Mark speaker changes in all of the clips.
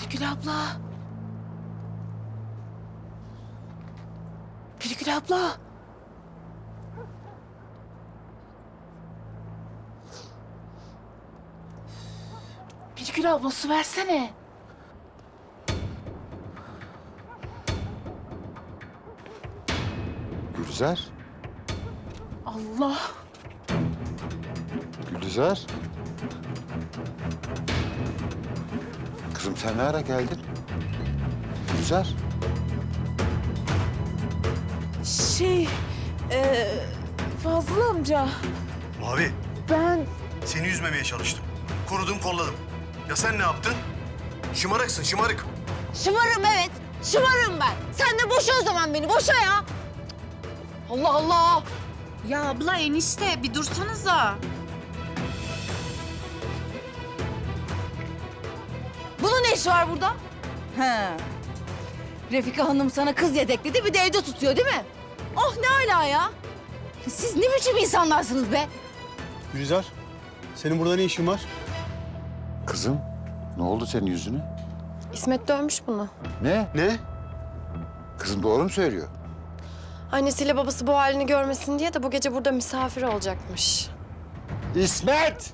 Speaker 1: Birgül abla. Birgül abla. Birgül abla su versene.
Speaker 2: Gülizar.
Speaker 1: Allah.
Speaker 2: Gülizar. Kızım sen ne ara geldin? Gülizar.
Speaker 1: Fazıl amca.
Speaker 3: Abi,
Speaker 1: Ben
Speaker 3: seni üzmemeye çalıştım. Korudum, kolladım. Ya sen ne yaptın? Şımarıksın, şımarık.
Speaker 4: Şımarım evet. Şımarım ben. Sen de boşa o zaman beni. Boşa ya. Allah Allah.
Speaker 5: Ya abla enişte bir dursanıza.
Speaker 4: Bunun ne işi var burada? He. Refika Hanım sana kız yedekledi bir de evde tutuyor değil mi? Oh ne ala ya. Siz ne biçim insanlarsınız be?
Speaker 6: Gülizar, senin burada ne işin var?
Speaker 2: Kızım ne oldu senin yüzüne?
Speaker 7: İsmet dövmüş bunu.
Speaker 2: Ne?
Speaker 6: Ne?
Speaker 2: Kızım doğru mu söylüyor?
Speaker 7: Annesiyle babası bu halini görmesin diye de bu gece burada misafir olacakmış.
Speaker 2: İsmet!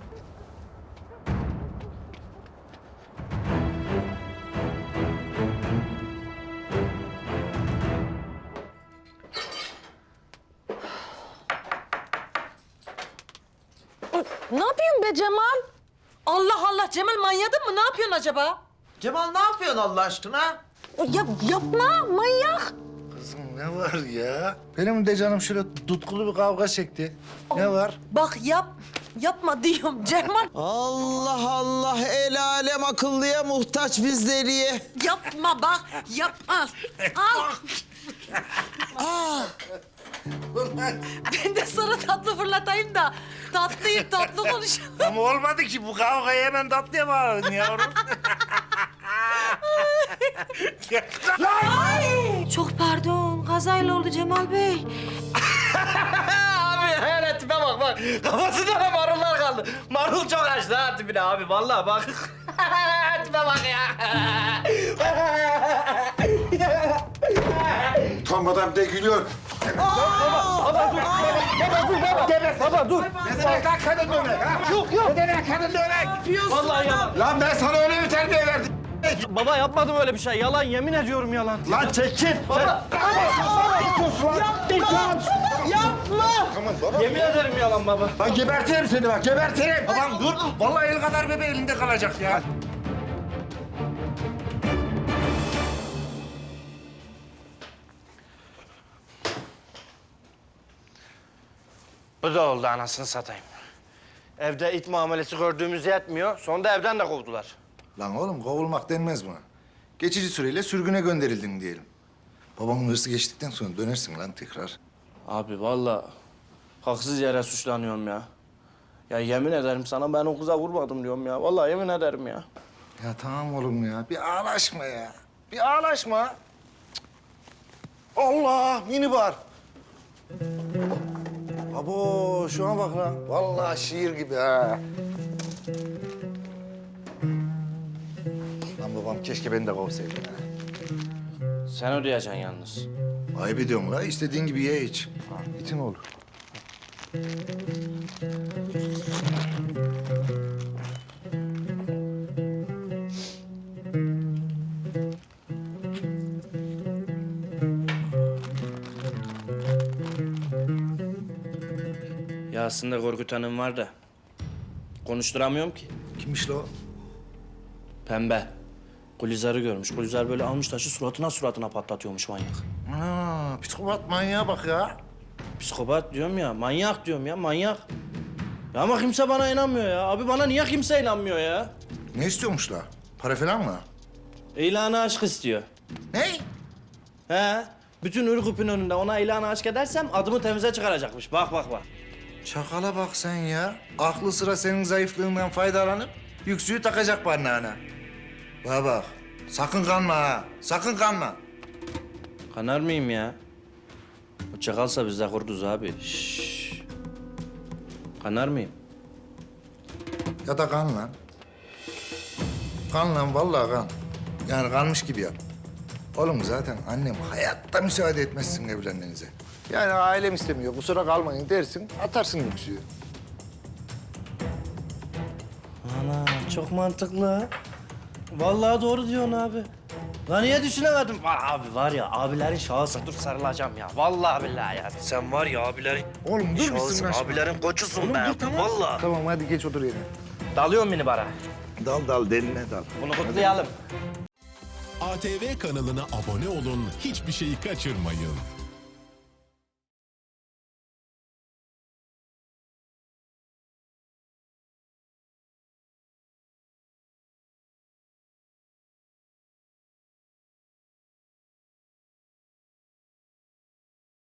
Speaker 8: Ne yapıyorsun be Cemal? Allah Allah Cemal manyadın mı? Ne yapıyorsun acaba?
Speaker 9: Cemal ne yapıyorsun Allah aşkına?
Speaker 8: Yapma manyak.
Speaker 9: Kızım ne var ya? Benim de canım şöyle tutkulu bir kavga çekti. Ne var?
Speaker 8: Bak yapma diyorum Cemal.
Speaker 9: Allah Allah el alem akıllıya muhtaç bizleriye.
Speaker 8: Yapma bak yapma. Al. Ben de sana tatlı fırlatayım da tatlı yiyip tatlı konuşalım.
Speaker 9: Ama olmadı ki bu kavgayı hemen tatlıya bağladın yavrum.
Speaker 8: Çok pardon kazayla oldu Cemal Bey.
Speaker 10: Abi hele tipe bak. Kafasında da marullar kaldı. Marul çok açtı ha tipine abi. Vallahi bak. Tipe bak ya.
Speaker 2: Utanmadan bir de gülüyor.
Speaker 10: Baba dur.
Speaker 9: Ne demek lan kadın dövmek ha? Yok. Ne demek kadın dövmek?
Speaker 10: Vallahi yalan.
Speaker 9: Lan ben sana öyle bir terbiye verdim.
Speaker 10: Baba yapmadım öyle bir şey. Yalan yemin ediyorum yalan.
Speaker 9: Lan çekil.
Speaker 10: Baba.
Speaker 9: Yapma.
Speaker 10: Yemin ederim yalan baba.
Speaker 9: Lan gebertirim seni bak gebertirim. Babam dur. Vallahi el kadar bebe elinde kalacak ya.
Speaker 10: Bu da oldu anasını satayım. Evde it muamelesi gördüğümüz yetmiyor. Sonra evden de kovdular.
Speaker 9: Lan oğlum kovulmak denmez buna. Geçici süreyle sürgüne gönderildin diyelim. Babamın hırsı geçtikten sonra dönersin lan tekrar.
Speaker 10: Abi vallahi haksız yere suçlanıyorum ya. Ya yemin ederim sana ben o kıza vurmadım diyorum ya. Vallahi yemin ederim ya.
Speaker 9: Ya tamam oğlum ya. Bir ağlaşma ya. Bir ağlaşma. Cık. Allah minibar. Abo şuna bak lan. Vallahi şiir gibi ha. Lan babam keşke beni de kovsaydı ha.
Speaker 10: Sen ödeyeceksin yalnız.
Speaker 9: Ayıp ediyorum la. İstediğin gibi ye iç. İtin olur.
Speaker 10: Ya aslında Korkut Hanım var da konuşturamıyorum ki.
Speaker 9: Kimmiş la o?
Speaker 10: Pembe. Gülizar'ı görmüş. Gülizar böyle almış taşı suratına patlatıyormuş manyak.
Speaker 9: Ana psikopat manyağa bak ya.
Speaker 10: Psikopat diyorum ya, manyak diyorum ya, manyak. Ya ama kimse bana inanmıyor ya. Abi bana niye kimse inanmıyor ya?
Speaker 9: Ne istiyormuş la? Para falan mı?
Speaker 10: İlanı aşk istiyor.
Speaker 9: Ne?
Speaker 10: He. Bütün Ürgüp'ün önünde ona ilanı aşk edersem adımı temize çıkaracakmış. Bak.
Speaker 9: Çakala bak sen ya. Aklı sıra senin zayıflığından faydalanıp yüksüğü takacak parmağına. Bana bak. Sakın kanma ha. Sakın kanma.
Speaker 10: Kanar mıyım ya? O çakalsa biz de kurduz abi. Şşş. Kanar mıyım?
Speaker 9: Ya da kan lan. Kan lan vallahi kan. Yani kalmış gibi yap. Oğlum zaten annem hayatta müsaade etmez sizin evlenmenize. Yani ailem istemiyor, kusura kalmayın dersin, atarsın yüksüğü.
Speaker 10: Ana çok mantıklı ha. Vallahi doğru diyorsun abi. Lan niye düşünemedim? Abi var ya abilerin şahısın. Dur sarılacağım ya. Vallahi billahi ya. Sen var ya abilerin
Speaker 9: Oğlum dur bir
Speaker 10: şahısın.
Speaker 9: sırnaşma.
Speaker 10: Abilerin koçusun
Speaker 9: Oğlum
Speaker 10: be.
Speaker 9: dur, tamam.
Speaker 10: Vallahi.
Speaker 9: Tamam hadi geç otur yerine.
Speaker 10: Dalıyor beni bara.
Speaker 9: Dal deline dal.
Speaker 10: Bunu kutlayalım.
Speaker 11: ATV kanalına abone olun, hiçbir şeyi kaçırmayın.